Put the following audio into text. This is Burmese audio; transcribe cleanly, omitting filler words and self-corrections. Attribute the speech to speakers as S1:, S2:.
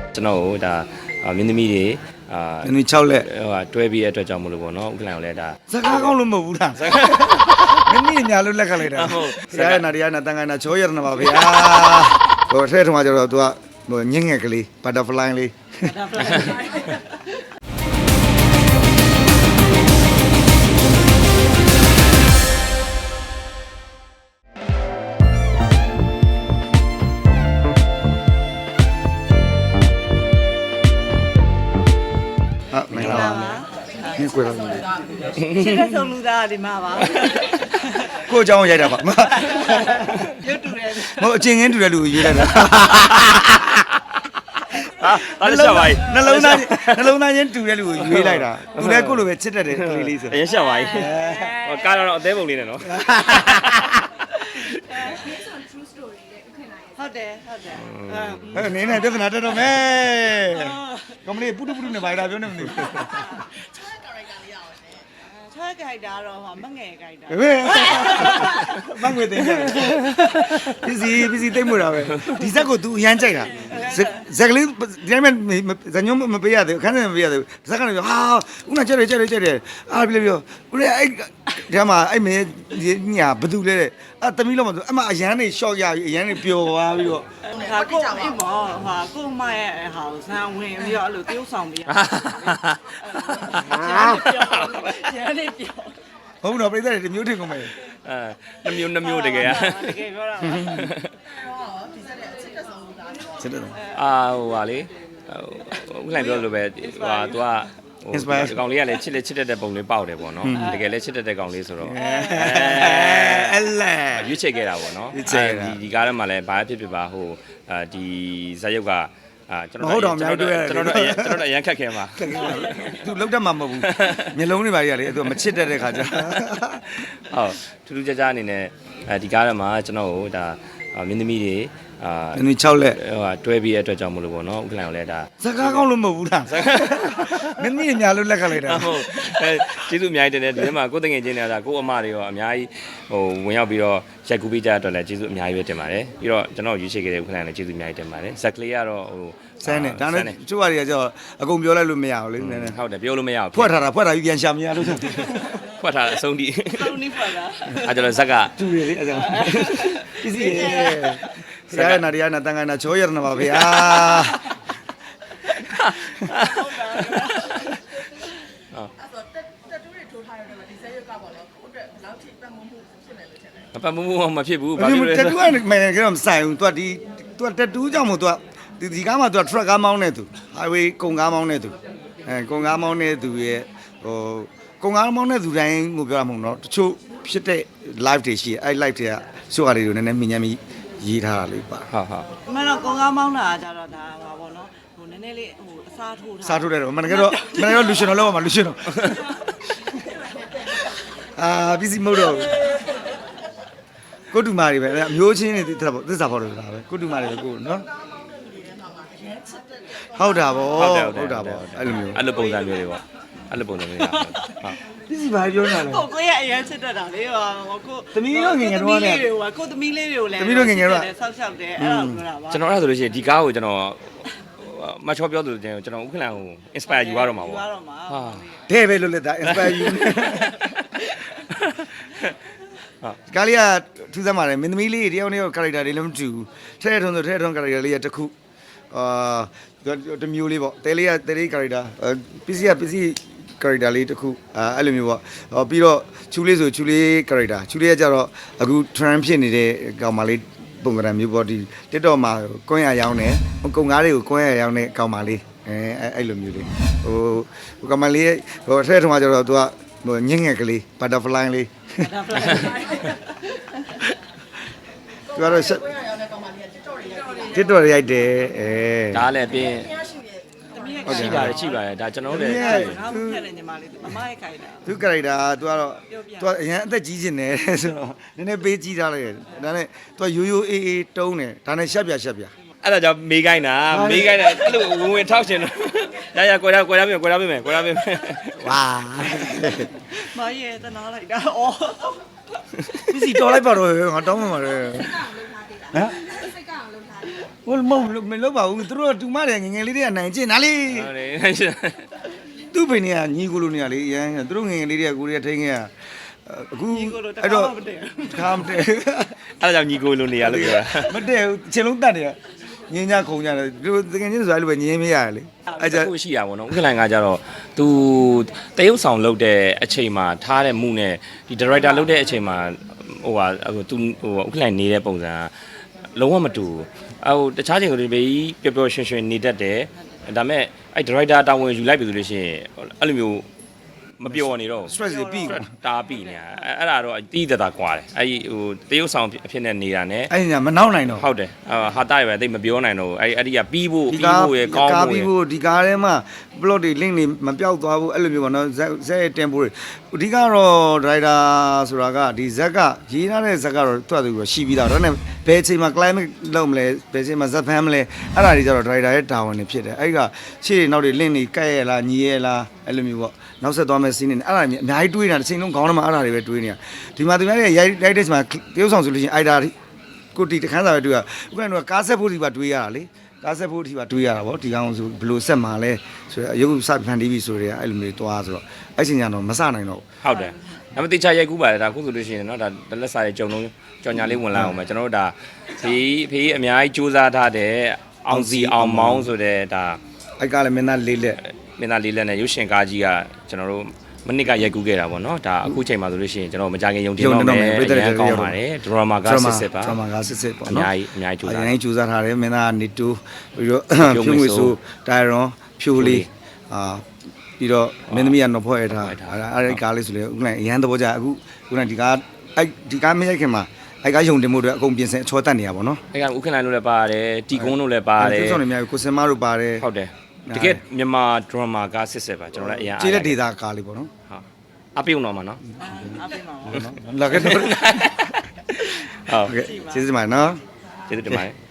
S1: ကျွန်တော်တို့ဒါမင်းသမီးတွေ
S2: မင်းသမီး6လက်
S1: ဟိုတွဲပြီးအတွက်ကြောင့်မလို့ပေါ့နော်ဥက္ကလန်ကိုလည်းဒါ
S2: စကားကောင်းလို့မဟုတ်ဘူးလားမင်းသမီးညာလို့လက်ကလိုက်တာဆရာရဲ့နာတရားနာတန်ခါနာချောရနာပါဗျာဟိုထဲထုံးကကျတော့ तू ကဟိုညင်ငယ်ကလေး butterfly လေး你过来。
S3: 现在走路的你妈妈。
S2: ကိုเจ้าရိုက်တာပါ
S3: ရုပ်တူတယ်
S2: ဟိုအချင်းချင်းတူတဲ့လူကိုရွေးလိုက်တာ
S1: အားလက်ပါ
S2: နှလုံးသားချင်းတူတဲ့လူကိုရွေးလိုက်တာသူလည်းကိုလိုပဲချစ်တတ်တယ်ကလေးလေးဆို
S1: အရင်ရှက်ပါဟိုကားတော့အသေးပုံလေးနဲ့နော်
S3: ဟုတ်တယ်
S2: နင်းနဲ့ပြဿနာတက်တော့မယ်ကမလေးပုတုနဲ့ဘာလာပြောနေမသိဘူး
S3: ချွဲကြိုက်တာတော့မငယ်ကြိုက်တာ
S2: မငွေသိနေပစ္စည်းသိမ့်မှုတာပဲဒီဇက်ကို तू အရန်ကြိုက်တာဇက်ကလေးဒီတိုင်းမဲ့ဇညုံမပေးရသေးဘူးခန်းနေမပေးရသေးဘူးဇက်ကလည်းပြောဟာဦးနာကြက်တယ်အားပြပြောဦးရဲ့အဲ့ဒီမှာအဲ့မင်းညာဘသူလဲတဲ့အဲ့သမီးလုံးမဆိုအမအရန်နေရှော့ရပြီးအရန်နေပျော်သွားပြီးတော့
S3: ဟာကိုအိမ်မောဟာကိုမရဲ့ဟာဇန်ဝင်ပြီးတော့အဲ့လိုတရုပ်ဆောင်ပြီးရန်နေပြော
S2: ဟုတ်တော့ပြိတ္တတွေမျိုးထင်ကုန်မယ်
S1: နှမျိုးတကယ်อ่ะ
S3: တကယ်ပြောတာ
S2: ဒီစက်ရဲ့အချစ်တက်ဆုံးချစ်တယ်
S1: ဟိုဟာလေဥက္ကလန်ပြောလို့ပဲဟို तू ကဒီကောင်လေးကလည်းချစ်တတ်တဲ့ပုံလေးပေါက်တယ်ပေါ့နော်တကယ်လည်းချစ်တတ်တဲ့ကောင်လေးဆိုတော့
S2: အဲ့လဲ
S1: ရွေးချယ်ခဲ့တာပေါ့နော်ဒီကားထဲမှာလည်းဘာဖြစ်ပါဟိုဒီဇာတ်ရုပ်ကကျွန်တော်တို့အရန်ခက်ခဲမှာ
S2: သူလောက်တတ်မှာမဟုတ်ဘူးမျိုးလုံးတွေပါကြီးကလေသူမချစ်တတ်တဲ့ခါကျ
S1: ဟုတ်ထူးခြားအနေနဲ့ဒီကားထဲမှာကျွန်တော်တို့ဒါမင်းသမီးတွေ
S2: မင်းသမီး6လက်
S1: ဟိုတွဲပြီးအတွက်ကြောင့်မလို့ပေါ့နော်ဥက္ကလန်ကိုလည်းဒါ
S2: စကားကောင်းလို့မဟုတ်ဘူးလားမင်းသမီးညာလို့လက်ကလိုက်တာ
S1: ဟုတ်ကျေးဇူးအများကြီးတင်တယ်ဒီထဲမှာကိုယ်တငယ်ချင်းတွေကကိုအမတွေရောအများကြီးဟိုဝင်ရောက်ပြီးတော့ရိုက်ကူးပေးကြတဲ့အတွက်လည်းကျေးဇူးအများကြီးပဲတင်ပါတယ်ပြီးတော့ကျွန်တော်ရွေးချယ်ခဲ့တဲ့ဥက္ကလန်လည်းကျေးဇူးအများကြီးတင်ပါတယ်ဇက်ကလေးကတော့ဟို
S2: ဆန်းနေဒါနဲ့ကျိုးတွေကကျတော့အကုန်ပြောလိုက်လို့မရဘူးလေနည်းနည်း
S1: ဟုတ်တယ်ပြောလို့မရဘူး
S2: ဖွက်ထားပြီးပြန်ရှာမရလို့ဆို
S1: ဖွက်ထားအဆုံးထိ
S3: ဆုံးနေပါလား
S1: အဲ့ကျွန်တော်ဇက်က
S2: တူရလေအဲ့ဒါပစ္စည်းဆရာရဲ့နာတရားနာတန်ခါနာချောရနာပါဗျာ
S1: ပတ်မှုမဖြစ်ဘူး
S2: ဘာဖြစ်လဲတက်တူကမင်းကတော့မဆိုင်ဘူး तू တက်တူကြောင့်မို့ तू ဒီကားမှာ तू truck ကားမောင်းနေသူ highway ကုန်ကားမောင်းနေသူကုန်ကားမောင်းနေသူရဲ့ဟိုကုန်ကားမောင်းနေသူတိုင်းကိုပြောရမှာမဟုတ်တော့တချို့ဖြစ်တဲ့ live တွေရှိအဲ့ live တွေကစုဟာတွေကိုနည်းနည်းမြင်ညမ်းပြီးရေးထားတာလေးပါ
S1: ဟုတ်
S3: အမှန်တော့ကုန်ကားမောင်းတာကြတော့ဒါပါပေါ့နော်ဟိုနည်းနည်းလေးဟိုအစားထိုးထား
S2: စားထိုးတယ်တော့မနက်ကတော့လူရှင်တော်လောက်ပါလူရှင်တော်ပစ္စည်းမဟုတ်တော့ကိုတူမာတွေပဲအမျိုးချင်းတွေသစ္စာဖော်တယ်ဆိုတာပဲကိုတူမာတွေပဲကိုနော်ဟုတ်တာဗော
S1: အဲ့လိုပုံစံမျိုးတွေပေါ့အဲ့လိုပုံစံမျိုးတွေဟုတ်
S2: ပစ္စည်းဘာပြောနေတာလဲ
S3: ကိုရဲ့အရင်ချစ်တတ်တာလေဟိုကို
S2: သမီးတို့ငယ်ငယ်တော့လည်း
S3: ကိုသမီးလေးတွေကိုလည်း
S2: သမီးတို့ငယ်ငယ်တော့
S3: ဆောက်ရှောက်တယ်အဲ့လိုပြောတာပါ
S1: ကျွန်တော်အဲ့ဒါဆိုလို့ရှိရင်ဒီကားကိုကျွန်တော်မချောပြောသူကျွန်တော်ဥက္ကလန်ကို inspire ယူရတော့မှာပေါ့ဟာ
S2: တဲ့ပဲလို့လက်တာ inspire ယူကာလီယာထူးဆန်းပါတယ်မင်းသမီးလေးတယောက်နဲ့ character တွေလည်းမတူဘူးထဲထုံ character လေးရတစ်ခုတမျိုးလေးပေါ့တဲလေး character ပစ္စည်း character လေးတစ်ခုအဲ့လိုမျိုးပေါ့ပြီးတော့ချူလေးဆိုချူလေး character ချူလေးကကြတော့အခု trend ဖြစ်နေတဲ့ကောင်မလေးပုံစံမျိုးပေါ့ဒီ TikTok မှာကွန်းရရောင်းတယ်ကုန်ကားတွေကိုကွန်းရရောင်းတဲ့ကောင်မလေးအဲ့လိုမျိုးလေးဟိုကောင်မလေးဟိုထဲထုံကကြတော့ तू ကဟိုညင်ငယ်ကလေး butterfly လေးသူကတော့TikTok ရိုက်တယ်
S1: ဒါလည်းပြင်ရှိပါတယ်ဒါကျွန်တော်လည်း
S3: ငါ့ဖက်တယ်ညီမလေးမမရဲ့ခိုင်တာ
S2: သူ character သူကတော့သူအရင်အသက်ကြီးနေတယ်ဆိုတော့နည်းနည်းပေးကြီးထားလိုက်တယ်ဒါနဲ့သူရိုးအေးတုံးတယ်ဒါနဲ့ရှက်ပြ
S1: အဲ့ဒါကြောင့်မေးခိုင်းတာအဲ့လိုဝင်ထောက်ရှင်တော့ရကွယ်ရပြင်ဝါ
S3: မရဲ့တနာလိုက်တာအော်
S2: ပစ္စည်းတော်လိုက်ပါတော့ငါတောင်းမှမှာလေဟမ်
S4: စိတ်ကအောင်လုပ်ထားတယ်
S2: ဟိုမလုပ်ပါဘူးသူတို့တူမတယ်ငငယ်လေးတွေကနိုင်ကျင်နားလေး
S1: ဟုတ်တယ်
S2: သူ့ဖိနေကညီကိုလိုနေရလေရန်သူတို့ငငယ်လေးတွေကကိုရီးယားထိန်းခဲ့ရအခုအဲ့တော့ခါမတည့်
S1: အဲ့ဒါကြောင့်ညီကိုလိုနေရလို့ပြောတာ
S2: မတည့်ဘူးချင်းလုံးတတ်တယ်ညင်းကြခုံကြတယ်သူတကယ်ချင်းဆိုအဲ့လိုပဲညင်းမရတယ်လေအဲ့ကြ
S1: အခုရှိတာပေါ့နော်ဥက္ကလန်ကကြတော့ तू တရုပ်ဆောင်လုပ်တဲ့အချိန်မှာထားတဲ့မှုနဲ့ဒီ director လုပ်တဲ့အချိန်မှာဟိုဟာ तू ဟိုဥက္ကလန်နေတဲ့ပုံစံလုံးဝမတူဘူးတခြားချိန်ကိုဒီဘေးပျော်ပျော်ရွှင်ရွှင်နေတတ်တယ်ဒါပေမဲ့အဲ့ director တာဝန်ယူလိုက်ပြီဆိုလို့ရှိရင်အဲ့လိုမျိုးမပြောနေတော့
S2: stress တွေပြီးကုန်
S1: တားပြီညာအဲ့ဒါတော့တီးတတာကွာတယ်အဲ့ဒီဟိုတရုပ်ဆောင်အဖြစ်နဲ့နေတာ ਨੇ
S2: အဲ့ညာမနောက်နိုင်တော့
S1: ဟုတ်တယ်ဟာတာရပဲတိတ်မပြောနိုင်တော့အဲ့ဒီကပြီးဖို့ရကောင်း
S2: ကား
S1: ဖို့
S2: ပြီး
S1: ရ
S2: ဖို့ဒီကားထဲမှာ plot တွေ link တွေမပြောက်သွားဘူးအဲ့လိုမျိုးပေါ့နော်ဇက်ရဲ့ tempo တွေအဓိကတော့ driver ဆိုတာကဒီဇက်ကရေးထားတဲ့ဇက်ကတော့တွတ်သူရှိပြီးသားဒါနဲ့ဘယ်အချိန်မှာ climate လုပ်မလဲဘယ်အချိန်မှာဇက်ဖမ်းမလဲအဲ့ဒါတွေကျတော့ driver ရဲ့တာဝန်တွေဖြစ်တယ်အဲ့ဒီကရှေ့နောက်တွေ link တွေကဲ့ရလားညီရလားအဲ့လိုမျိုးပေါ့နောက်ဆက်သွားမဲ့ scene တွေအဲ့ဒါအများကြီးတွေးနေတာတစ်ချိန်လုံးခေါင်းထဲမှာအဲ့ဒါတွေပဲတွေးနေတာဒီမှာသူများရဲ့ရိုက်တဲ့ချိန်မှာတရုပ်ဆောင်ဆိုလို့ရှိရင်အဲ့ဒါကိုတီတခန်းစာပဲတွေးရဥက္ကဋ္ဌကကားဆက်ဖို့ဒီပါတွေးရတာလေကားဆက်ဖို့ဒီပါတွေးရတာဗောဒီကောင်ဆိုဘယ်လိုဆက်မှာလဲဆိုတော့ရုပ်စဖန်တီးပြီဆိုတော့အဲ့လိုမျိုးတွားဆိုတော့အဲ့ချိန်ကျတော့မစနိုင်တော့
S1: ဟုတ်တယ်ဒါပေမဲ့တေချာရိုက်ကူးပါတယ်ဒါခုဆိုလို့ရှိရင်เนาะဒါလက်စာရဲ့ကြုံလုံးကြော်ညာလေးဝင်လာအောင်မယ်ကျွန်တော်တို့ဒါဖေးအများကြီးစူးစမ်းထားတဲ့အောင်စီအောင်မောင်းဆိုတဲ့ဒါ
S2: အဲ့ကလည်းမင်းသားလေးလက်
S1: မင်းသားလေးလက်နဲ့ရုပ်ရှင်ကားကြီးကကျွန်တော်တို့မနစ်ကရိုက်ကူးခဲ့တာပေါ့เนาะဒါအခုချိန်မှာဆိုလို့ရှိရင်ကျွန်တော်မကြခင်ယုံတင်တော့မယ်အရင်ကောင်းပါတယ်ဒရမာကစစ်ပါ
S2: ဒရမာကစစ်ပေါ့
S1: အ
S2: နော်
S1: များကြီးစူးစမ်း
S2: အရင်စူးစမ်းထားတယ်မင်းသားနေတူပြီးတော့ဖြိုးငွေဆိုတိုင်ရွန်ဖြိုးလေးပြီးတော့မင်းသမီးကတော့ဖွဲ့ထားအဲ့ဒီကားလေးဆိုလေအခုလည်းအရန်သဘောကျအခုခုနဒီကားအဲ့ဒီကားမရိုက်ခင်မှာအဲ့ကားယုံတင်မှုတွေအကုန်ပြင်ဆင်အချောတက်နေရပါတော့နော်
S1: အဲ့ကဥက္ကဋ္ဌလို့လည်းပါတယ်တီကုန်းလို့လည်းပါတယ်
S2: ကျုပ်ဆောင်နေများကိုစင်မတို့ပါတယ်
S1: ဟုတ်တယ်တကယ်မြန်မာဒရမာကားစစ်ပါကျွန်တော်လည်းအရင်
S2: ကျေးလက်ဒေတာကားလေးပေါ့နော်
S1: ဟုတ်အပြုံတော့မှာနော်
S3: အပြင်မှာ
S2: လာခဲ့တော့
S1: ဟုတ်
S2: ကဲ့ကျေးဇူးတင်ပါတယ်နော်
S1: ကျေးဇူးတင်ပါတယ်